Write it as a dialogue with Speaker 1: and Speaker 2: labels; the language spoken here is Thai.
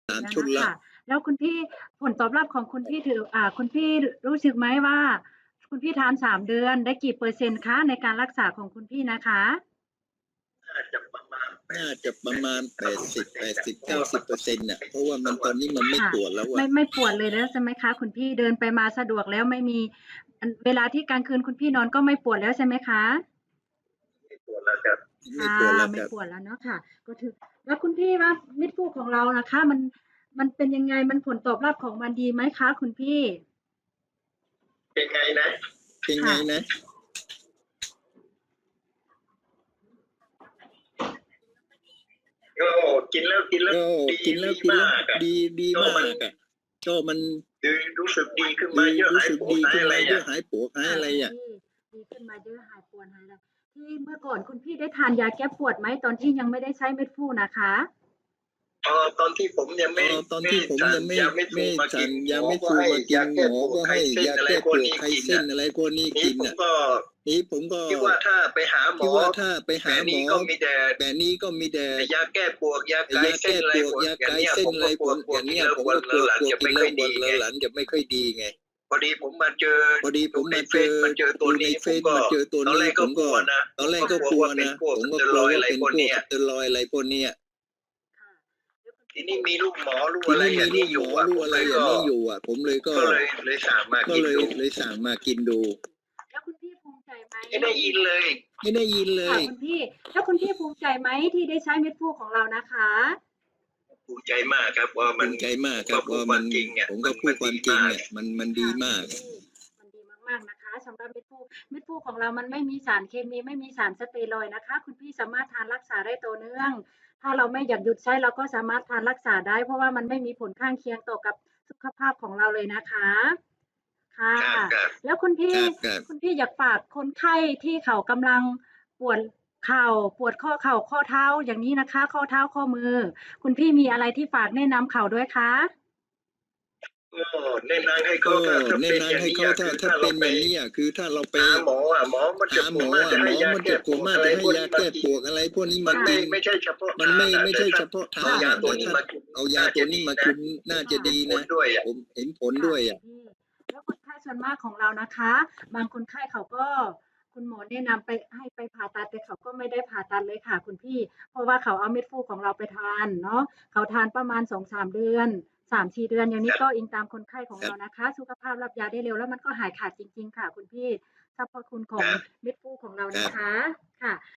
Speaker 1: 3
Speaker 2: แล้ว
Speaker 1: ชุดแล้ว
Speaker 2: น่ะค่ะแล้วคุณพี่ผลตอบรับของคุณพี่ถือคุณพี่รู้สึกไหมว่าคุณพี่ทาน3เดือนได้กี่เปอร์เซ็นต์คะในการรักษาของคุณพี่นะคะ
Speaker 1: น่าจะประมาณ80-90-90%น่ะเพราะว่ามันตอนนี้มันไม่
Speaker 2: ค่ะ
Speaker 1: ปวดแล้วอะ
Speaker 2: ไม่ปวดเลยแล้วใช่ไหมคะคุณพี่เดินไปมาสะดวกแล้วไม่มีเวลาที่กลางคืนคุณพี่นอนก็ไม่ปวดแล้วใช่ไหมคะ
Speaker 1: ไม่ปวดแล้วครับไม่
Speaker 2: ค่ะ
Speaker 1: ปวดแล้วครับ
Speaker 2: ไม่ปวดแล้วเนาะค่ะก็ถือแล้วคุณพี่ว่ามิตรคู่ของเราน่ะคะมันเป็นยังไงมันผลตอบรับของมันดีไหมคะคุณพี่
Speaker 1: เป็นไงนะเป็นไง
Speaker 2: ค่ะ
Speaker 1: นะก็กินแล้วก็ดี
Speaker 2: ดี
Speaker 1: ดีมากอะ
Speaker 2: ดี
Speaker 1: ก็มัน
Speaker 2: มากอะ
Speaker 1: ก็มันรู้สึกดีขึ้น
Speaker 2: ดี
Speaker 1: มาเยอะ
Speaker 2: รู้สึก
Speaker 1: หายปวด
Speaker 2: ดีขึ้น
Speaker 1: หายอะไรอะ
Speaker 2: มาเยอะหายปวดหายอะไรอะดีขึ้นมาเยอะหายปวดหายอะไรที่เมื่อก่อนคุณพี่ได้ทานยาแก้ปวดไหมตอนที่ยังไม่ได้ใช้เม็ดฟูนะคะ
Speaker 1: ตอนที่ผมยังไม่สั่งยาเม็ดฟูมากินหมอก็ให้ยาแก้ปวดไข้เส้นอะไรพวกนี้กินอะนี้ผมก็คิดว่าถ้าไปหาหมอแบบนี้ก็มีแต่ยาแก้ปวดยาคลายเส้นอะไรพวกอย่างเนี้ยผมก็กลัวกินแล้วปวดแล้วหลังจะไม่ค่อยดีไงพอดีผมมาเจอดูในเฟซมาเจอตัวนี้ผมก็ตอนแรกก็กลัวนะว่าเป็นพวกสเตียรอยด์อะไรพวกเนี้ย
Speaker 2: ค่ะแล้วคุณ
Speaker 1: ที
Speaker 2: พี่
Speaker 1: นี้มีลูกหมอลูกอะไรอย่างนี้อยู่อ่ะผมเลยก็เลยสั่งมากินดู
Speaker 2: แล้วคุณพี่ภูมิใจไหม
Speaker 1: ไม่ได้ยินเลย
Speaker 2: ค่ะคุณพี่แล้วคุณพี่ภูมิใจไหมที่ได้ใช้เม็ดฟูของเรานะคะ
Speaker 1: ภูมิใจมากครับว่ามันผมก็พูดความจริงอ่ะมันดีมาก
Speaker 2: มันดีมากมันดีมากๆนะคะสำหรับเม็ดฟูของเรามันไม่มีสารเคมีไม่มีสารสเตียรอยด์นะคะคุณพี่สามารถทานรักษาได้ต่อเนื่องถ้าเราไม่อยากหยุดใช้เราก็สามารถทานรักษาได้เพราะว่ามันไม่มีผลข้างเคียงต่อกับสุขภาพของเราเลยนะคะค่ะ
Speaker 1: ครับ
Speaker 2: แล้วคุณพี่อยากฝากคนไข้ที่เขากำลังปวดเข่าปวดข้อเข่าข้อเท้าอย่างนี้นะคะข้อเท้าข้อมือคุณพี่มีอะไรที่ฝากแนะนำเขาด้วยคะ
Speaker 1: ก็แนะนำให้เขาถ้าเป็นอย่างนี้คือถ้าเราไปหาหมออ่ะหมอมันจะปวดมากจะให้ยาแก้ปวดอะไรพวกนี้มากินมันไม่ใช่เฉพาะทางอ่ะแต่ถ้าเอายาตัวนี้มากินน่าจะดีนะเห็นผลด้วยอ่ะ
Speaker 2: ค่ะคุณพี่แล้วคนไข้ส่วนมากของเรานะคะบางคนไข้เขาก็คุณหมอแนะนำไปให้ไปผ่าตัดแต่เขาก็ไม่ได้ผ่าตัดเลยค่ะคุณพี่เพราะว่าเขาเอาเม็ดฟูของเราไปทานเนาะเขาทานประมาณ2-3เดือน3-4เดือนอย่างนี้ก็อิงตามคนไข้ของเรานะคะสุขภาพรับยาได้เร็วแล้วมันก็หายขาดจริงๆค่ะคุณพี่สรรพคุณของเม็ดฟูของเรานะคะค่ะ